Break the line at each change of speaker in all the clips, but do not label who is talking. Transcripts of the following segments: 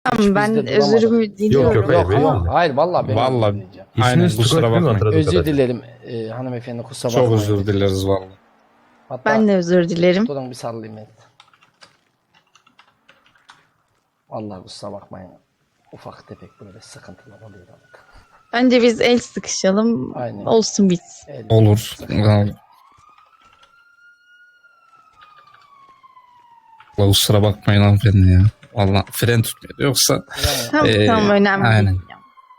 Tamam ben
bizde duramadık.
özürümü diliyorum.
Yok,
Yok
hayır,
ama hayır vallahi ben
Vallahi.
diyeceğim.
Aynen
İsminiz
kusura
Tugay değil mi
bakmayın.
hatırladığım
Özür
kadarıyla?
dilerim hanımefendi kusura
Çok
bakmayın.
özür dileriz vallahi.
Hatta
Ben de özür dilerim.
durun bir sarılayım ben. Vallahi kusura bakmayın. Ufak tefek böyle sıkıntılar oluyor artık.
Bence biz el sıkışalım.
Aynen.
Olsun bitsin.
Olur. Vallahi kusura bakmayın hanımefendi ya. Vallahi fren tutmuyor. Yoksa
Tamam tamam önemli
aynen.
değil.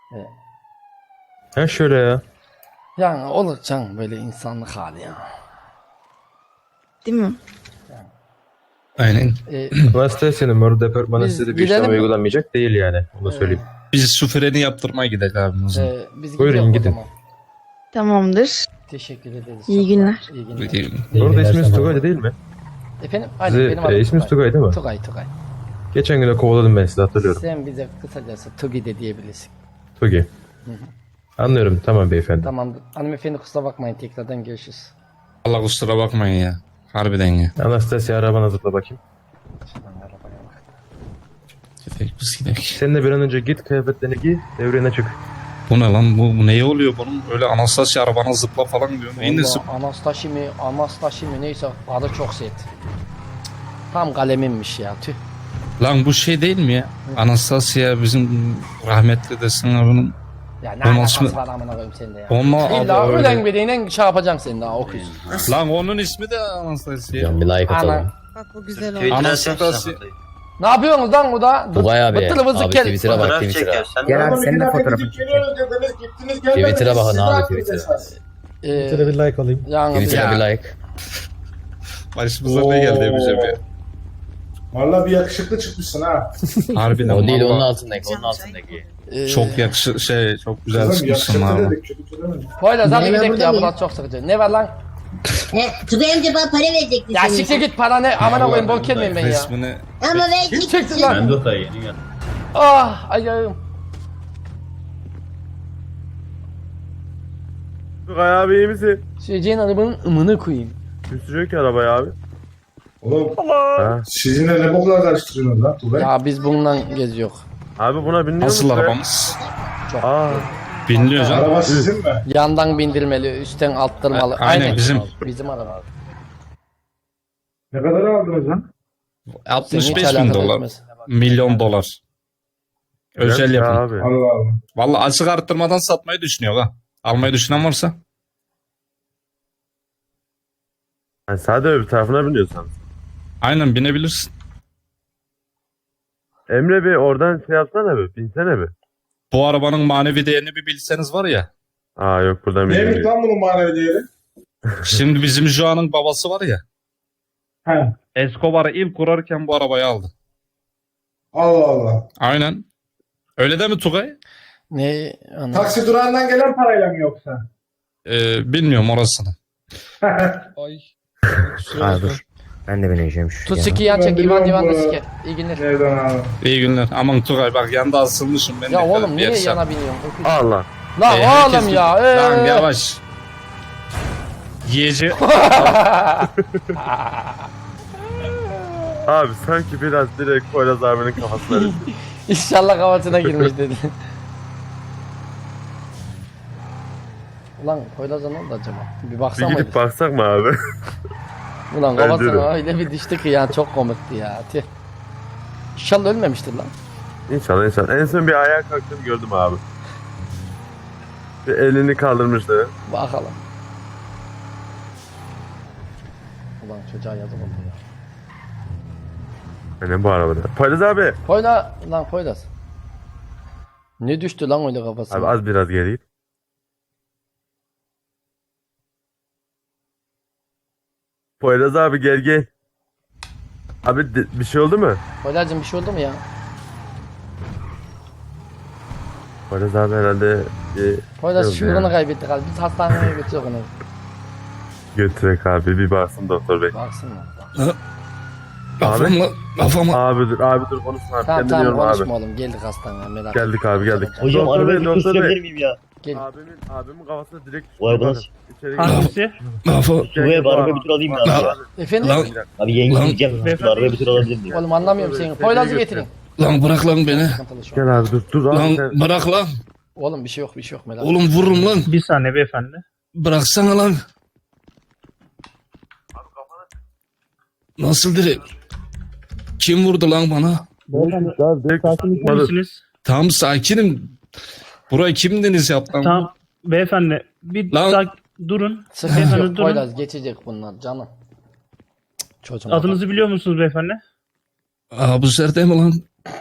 Ha şöyle ya.
Yani olur canım böyle insanlık hali ya.
Değil mi?
Aynen.
Anastasia'nın mor departmanı
Biz
size de bir
gidelim
işlem
mi?
uygulanmayacak değil yani. Onu da söyleyeyim.
Biz şu freni yaptırmaya gidelim abi o zaman.
Biz
Buyurun,
gidiyoruz o
gidin.
zaman.
Tamamdır.
Teşekkür ederiz.
İyi
çok
günler.
sağ olun. İyi günler.
Gidelim.
Bu arada isminiz Tugay değil mi?
Efendim? Aynen
Size,
benim adım
isminiz Tugay değil mi?
Tugay.
Geçen gün de kovaladım ben sizi hatırlıyorum.
Sen bize kısacası Tugi de diyebilirsin.
Tugay. Anlıyorum tamam beyefendi.
Tamamdır. Hanımefendi kusura bakmayın tekrardan görüşürüz.
Allah kusura bakmayın ya. Harbiden ya.
Anastasia arabana zıpla bakayım.
Şuradan arabaya bak.
Gidelim biz gidelim.
Sen de bir an önce git kıyafetlerini giy devrene çık.
Bu ne lan? Bu neye oluyor bunun? Öyle Anastasia arabana zıpla falan diyor. Neyin nesi?
Vallahi Anastasi mi neyse adı çok sert. Tam kaleminmiş ya tüh.
Lan bu şey değil mi ya? Anastasia bizim rahmetli desin abinin.
Ya ne
Onun
alakası
ismi-
var amına koyayım sende ya.
Onunla
İlla
adı
ölen
öyle.
biriyle şey yapacaksın sen daha okuyuz.
Lan onun ismi de Anastasia.
Bir like atalım.
Ana.
Bak o güzel oldu.
Anastasia.
Ne yapıyorsunuz lan bu da?
Tugay abi.
Bıttırımızı
Abi
kel.
Twitter'a bak Twitter'a.
Gel abi senin de fotoğrafını çekeyim.
Twitter'a bakın abi Twitter'a.
Twitter'a bir like alayım.
Yani
Twitter'a bir like.
Başımıza ne geldi yapacağım ya.
Valla bir yakışıklı çıkmışsın ha.
Harbiden.
O değil
vallahi
onun altındaki. Onun altındaki.
Çok çok güzel
Kızım
çıkmışsın
yakışıklı
abi.
dedik, kötü demedik.
Poyraz hadi
Ne, ben
gidelim
burada
ya
mıyım?
burası çok sıkıcı. Ne var lan?
Tugay amca bana para verecekti
Ya
senin
siktir
için.
git para ne? Amına koyayım bok kelmeyim ben ya.
Resmini
Ama ben
Kim çekti lan?
Ben de otaya yeni geldim.
Ah ayağım.
Tugay abi iyi misin?
Şeyceğin arabanın ımını koyayım.
Üstücük ki arabaya abi.
Oğlum
Ha.
sizinle ne boklar karıştırıyorsunuz lan Tugay?
Ya biz bununla geziyor.
Abi buna biniyor
nasıl
musun?
arabamız?
Aa.
Biniliyor canım.
Araba sizin mi?
Yandan bindirmeli, üstten alttırmalı.
Aynen, bizim.
Bizim araba.
Ne kadar aldınız lan?
Senin hiç
65 bin
alakadar
dolar.
etmez.
Milyon dolar. Özel
Güzelmiş
yapım.
Abi.
Allah Allah.
Vallahi açık arttırmadan satmayı düşünüyor ha. Almayı düşünen varsa.
Yani sadece öbür tarafına biniyorsan.
Aynen binebilirsin.
Emre Bey oradan şey yapsana bir. Binsene bir.
Bu arabanın manevi değerini bir bilseniz var ya.
Aa yok buradan
Neymiş
binmiyor.
lan bunun manevi değeri?
Şimdi bizim Joa'nın babası var ya.
He.
Escobar'ı ilk kurarken bu arabayı aldı.
Allah Allah.
Aynen. Öyle değil mi Tugay?
Ne? Ana.
Taksi durağından gelen parayla mı yoksa?
Bilmiyorum orasını. Ay.
Aa dur. Ben de bineceğim şu.
Tut siki yan
Ben
çek İvan
biliyorum
Divan da
bu-
sike. İyi günler.
Nereden abi?
İyi günler. Aman Tugay bak yanda asılmışım ben.
Ya
de
oğlum
bir
niye
yersen.
yana biniyorsun?
Allah.
Lan
Herkes
oğlum ya.
Lan yavaş. Yiyece.
Abi sanki biraz direkt Poyraz abinin kafasına düştü.
İnşallah kafasına girmiş dedi. Ulan Poyraz'a ne oldu acaba? Bir
Bir
baksana.
gidip baksak mı abi?
Ulan
Bence
kafasına
de.
öyle bir düştü ki ya çok komikti ya. Tüh. İnşallah ölmemiştir lan.
İnşallah inşallah. En son bir ayağa kalktım gördüm abi. Bir elini kaldırmıştı.
Bakalım. Ulan çocuğa yazık oldu ya.
Ne bu arabada? Poyraz abi.
Poyraz. Ne düştü lan öyle kafasına?
Abi az biraz geri git. Poyraz abi gel gel. Abi bir şey oldu mu?
Poyraz'cığım bir şey oldu mu ya?
Poyraz abi herhalde bir
Poyraz
Yok
şuurunu
ya.
kaybetti galiba. Biz hastaneye götürüyoruz onu.
götürek abi bir baksın doktor bey.
Baksın mı?
Kafamla.
Abi dur konuşma abi.
Tamam
Kendi
tamam
diyorum abi.
konuşma oğlum. Geldik hastaneye merak etme.
Geldik abi geldik.
Hocam
Doktor
arabayı
bey,
bir
doktor
gösterebilir
bey.
miyim ya?
Gel.
Abimin kafasına direkt
O araba nasıl?
İçeri
Hangisi?
Tugay abi arabayı bir tur alayım mı abi?
Efendim?
Lan.
Abi yenge gideceğim. Şu arabayı bir tur alabilir miyim?
Oğlum anlamıyorum seni. Poyraz'ı getirin.
Lan bırak lan beni.
Sıkıntılı şu an.
Gel abi dur abi
Lan
sen.
bırak lan.
Oğlum bir şey yok, bir şey yok merak.
Oğlum vururum lan.
Bir saniye beyefendi.
Bıraksana lan. Nasıl direkt? Kim vurdu lan bana?
İyi misiniz?
Tamam sakinim. Burayı kim deniz yaptı lan?
Tamam. Beyefendi bir
Lan-
durun.
Sıkıntı
Beyefendi
yok.
durun.
Poyraz geçecek bunlar canım. Cık, çocuğum.
Adınızı biliyor musunuz beyefendi?
Abuzer değil mi lan?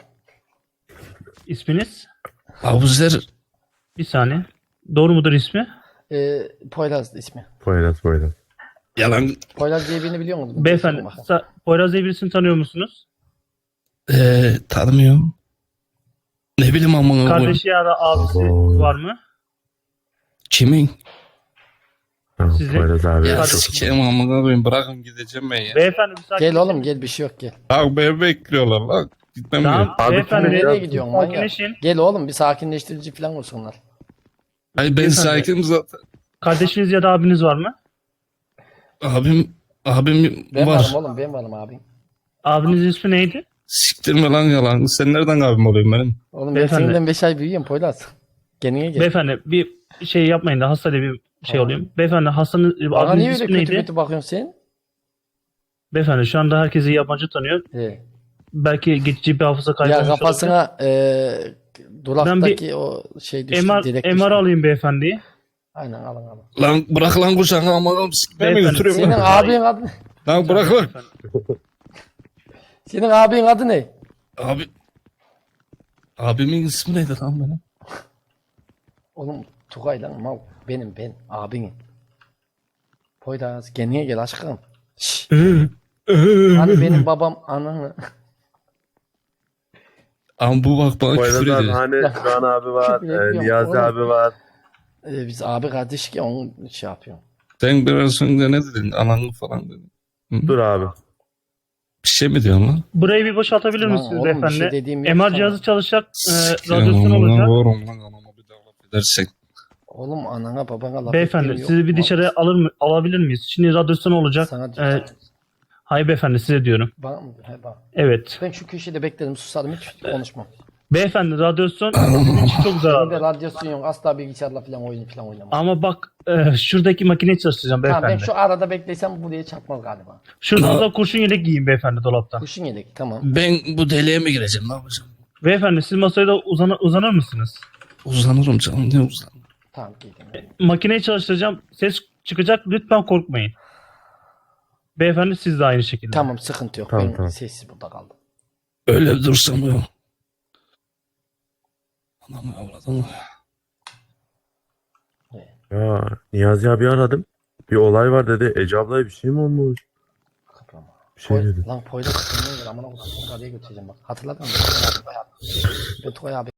İsminiz?
Abuzer.
Bir saniye. Doğru mudur ismi?
Poyraz ismi.
Poyraz.
Yalan.
Poyraz diye birini biliyor musun?
Beyefendi Poyraz diye birisini tanıyor musunuz?
Tanımıyorum. Ne bileyim amına koyayım.
Kardeşi ya da abisi
Abo.
var mı?
Kimin?
Tamam,
Sizin-
Poyraz abi.
Ya
Çok-
sikeyim amına koyayım. Bırakın gideceğim ben ya.
Beyefendi bir sakin.
Gel oğlum gel, bir şey yok gel.
Bak beni bekliyorlar lan. Gitmem
Tamam
gerek.
Abi,
beyefendi.
kim
Nereye gidiyorsun manyak?
Sakinleşin.
Gel oğlum bir sakinleştirici falan olsunlar.
Ay ben
Beyefendi.
sakinim zaten.
Kardeşiniz ya da abiniz var mı?
Abim
Ben
var.
varım oğlum, ben varım abi.
Abinizin ismi neydi?
Siktirme lan yalan. Sen nereden abim oluyorsun benim?
Oğlum ben
Beyefendi.
seninden 5 ay büyüğüm Poyraz. Kendine gel.
Beyefendi bir şey yapmayın da hastayla bir şey
Tamam.
olayım. Beyefendi hastanın
Bana niye
abinizin
öyle
ismi
kötü
neydi?
kötü bakıyorsun sen?
Beyefendi şu anda herkesi yabancı tanıyor. Belki geçici bir hafıza kaybı
Ya
olmuş olabilir.
kafasına duraktaki o şey düştü. direkt
MR
düştü.
alayım beyefendiyi.
Aynen alın.
Lan bırak lan kucağına amına sikmeye mi
Beyefendi,
götürüyorum
Senin
lan?
abinin adı ne?
Lan bırak lan.
Senin abinin adı ne?
Abi. Abimin ismi neydi lan benim?
Oğlum Tugay lan mal. Ben abinim. Poyraz kendine gel aşkım. Şşş. Hani benim babam ananı.
Ama bu bak bana
Poyraz
küfür
abi
ediyor.
hani Can abi var.
Küfür ediyorum
Niyazi
oğlum.
abi var.
Biz abi kardeş ki onu şey yapıyor.
Sen biraz önce ne dedin? Ananı falan dedin.
Dur abi.
Bir şey mi diyorsun lan?
Burayı bir boşaltabilir
Lan
misiniz
oğlum, bir
beyefendi?
şey dediğim yok
MR
sana.
cihazı çalışacak.
Siktirin
Radyasyon
amına
olacak.
koyarım lan anama bir daha laf edersen.
Oğlum anana babana laf
Beyefendi
ettiğim yok.
sizi bir dışarı alabilir miyiz? Şimdi radyasyon olacak.
Sana diyorum.
Hayır beyefendi size diyorum.
Bana mı? He bak.
Evet.
Ben şu köşede beklerim susarım hiç konuşmam.
Beyefendi radyasyon sizin için çok
Benim de
zararlı.
radyasyon yok asla bilgisayarla falan oyun falan oynamam.
Ama bak şuradaki makineyi çalıştıracağım
Tamam ben
beyefendi.
şu arada beklesem buraya çarpmaz galiba.
Şurada da kurşun yelek giyin beyefendi dolaptan.
Kuşun yedek tamam.
Ben bu deliğe mi gireceğim ne yapacağım?
Beyefendi siz masaya da uzanır mısınız?
Uzanırım canım ne uzanırım.
Tamam giydim.
Makineyi çalıştıracağım. Ses çıkacak lütfen korkmayın. Beyefendi siz de aynı şekilde.
Tamam sıkıntı yok.
Tamam,
ben
tamam.
sessiz burada kaldım.
Öyle dursam yok. Anamı avladım.
Ya Niyazi abi aradım. Bir olay var dedi. Ece ablaya bir şey mi olmuş?
Kıprama.
Bir şey dedi.
Lan Poyraz kendine gel amına koyayım. Oraya götüreceğim bak. Hatırladın mı? Ben Tugay abi.